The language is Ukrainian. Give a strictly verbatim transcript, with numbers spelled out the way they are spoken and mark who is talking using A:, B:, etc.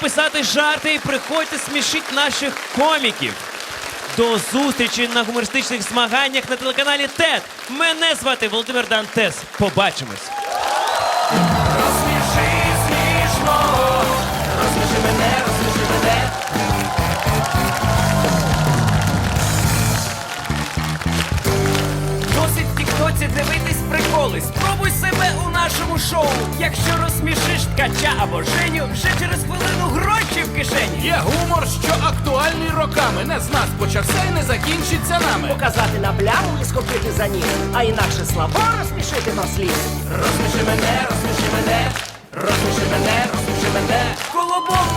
A: писати жарти і приходьте смішіть наших коміків. До зустрічі на гумористичних змаганнях на телеканалі ТЕТ. Мене звати Володимир Дантес. Побачимось.
B: Розсміши смішно, розсміши мене, розсміши мене. Досить в тіктоці дивитись приколи. Спробуй себе у нашому шоу. Якщо розсмішиш ткача або Женю, вже через хвилину гроші в кишені.
C: Є гумор, що актуальний роками. Не з нас почався і не закінчиться нами.
D: Показати на пляму і схопити за ніг, а інакше слабо розсмішити на слід.
B: Розсміши мене, розсміши мене, розсміши мене, розсміши мене. Колобок